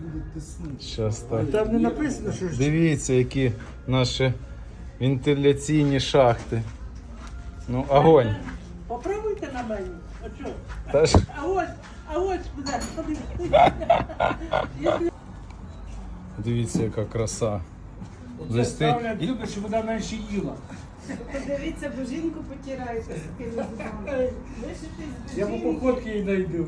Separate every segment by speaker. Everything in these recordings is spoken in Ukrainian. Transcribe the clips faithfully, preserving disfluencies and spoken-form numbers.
Speaker 1: будуть тиснути.
Speaker 2: Щас так.
Speaker 1: Там не написано, що ж.
Speaker 2: Дивіться, які наші вентиляційні шахти. Ну, огонь.
Speaker 3: Попробуйте на мені. А що?
Speaker 2: Та ж,
Speaker 3: А ось, а ось куди, подивіться.
Speaker 2: дивіться, яка краса. Вже
Speaker 1: Це
Speaker 2: стоїть.
Speaker 1: ставлять люди, щоб вона менше їла.
Speaker 4: Подивіться, бо жінку потираєте з такими зубами. Лишитесь
Speaker 1: Я по походці її знайду.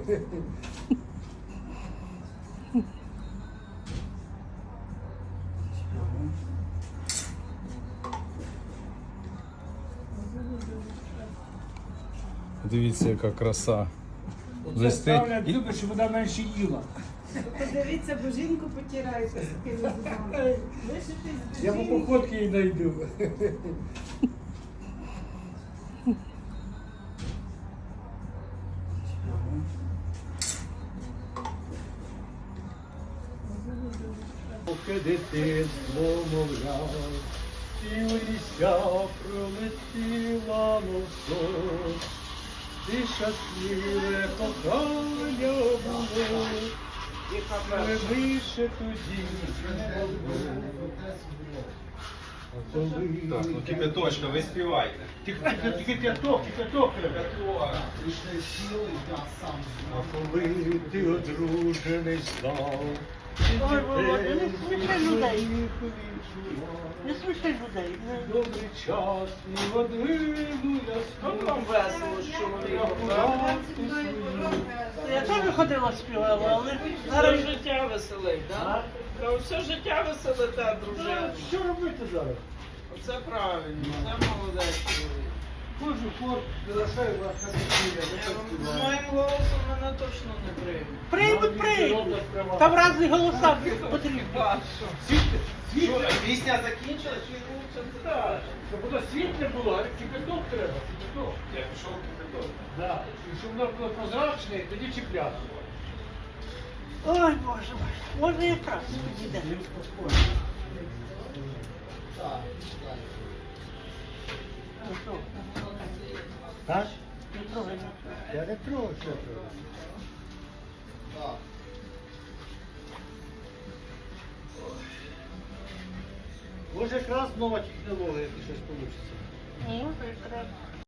Speaker 2: Дивіться, яка краса. Вже
Speaker 1: Це
Speaker 2: стоїть.
Speaker 1: ставлять люди, щоб вона менше їла.
Speaker 4: Подивіться, бо жінку потираєте з такими зубами. Лишитесь
Speaker 1: Я по походці її знайду. Поки дитинство мовляв, і у ліся пролетіла мов сон, і щасливе кохання було, але більше тоді не було.
Speaker 5: Так, ну кипяточка, ви співайте.
Speaker 1: Тільки кипяток, кипяток треба. А коли ти одружений став,
Speaker 3: Ой, Володя, не сміши людей. Не сміши людей.
Speaker 1: добрий час, і годину я
Speaker 3: Ну, вам
Speaker 1: спав.
Speaker 3: весело з чоловіком, так? Я теж ходила співала, але зараз життя веселить, так? Все життя веселите, дружина.
Speaker 1: Що робити зараз?
Speaker 3: Оце правильно, це молодець чоловік.
Speaker 1: Кожен хор залишає вас на дитині,
Speaker 3: З моїм голосом мене точно не приймуть.
Speaker 1: Приймуть, приймуть.
Speaker 3: Там різні голоса потрібні.
Speaker 5: Що, пісня закінчилась чи лучше?
Speaker 1: Так, щоб воно світле було, а кипяток треба, кипяток.
Speaker 5: Я пішов кипяток.
Speaker 1: Да. І щоб воно було прозрачне, тоді чіпляти.
Speaker 3: Ой, Боже мой, може якраз підійде. Ну що,
Speaker 1: Так?
Speaker 3: не трогай.
Speaker 1: Я не трогаю, що трогаю. Може якраз нова технологія, якщо щось вийде.
Speaker 3: Може якраз.